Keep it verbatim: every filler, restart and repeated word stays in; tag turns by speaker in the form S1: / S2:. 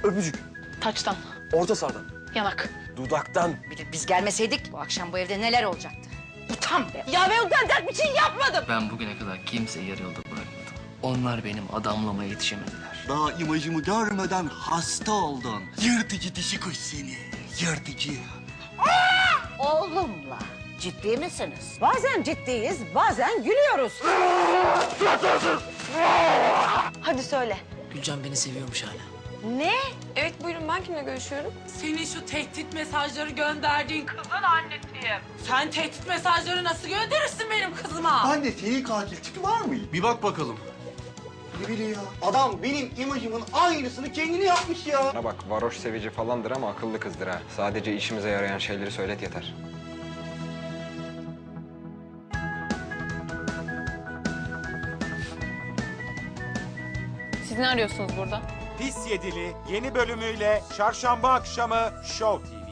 S1: Öpücük.
S2: Taçtan,
S1: Orta sardan.
S2: yanak.
S1: Dudaktan.
S3: Bir de biz gelmeseydik bu akşam bu evde neler olacaktı? Utan be.
S2: Ya ben utanacak bir şey yapmadım.
S4: Ben bugüne kadar kimseyi yarı yolda bırakmadım. Onlar benim adamlamaya yetişemediler.
S5: Daha imajımı görmeden hasta oldun. Yırtıcı dişi kuş seni. Yırtıcı.
S3: Oğlumla ciddi misiniz?
S6: Bazen ciddiyiz, bazen gülüyoruz.
S2: Hadi söyle.
S4: Gülcan beni seviyormuş hala.
S2: Ne?
S7: Evet buyurun ben kimle görüşüyorum?
S8: Senin şu tehdit mesajları gönderdiğin kızın annesiyim. Sen tehdit mesajları nasıl gönderirsin benim kızıma?
S5: Anne senin katil tipi var mı?
S1: Bir bak bakalım.
S5: Ne bileyim ya. Adam benim imajımın aynısını kendini yapmış ya.
S9: Bana bak, varoş sevici falandır ama akıllı kızdır ha. Sadece işimize yarayan şeyleri söylet yeter.
S7: Siz ne arıyorsunuz burada?
S10: Pis Yedili yeni bölümüyle çarşamba akşamı Show T V'de.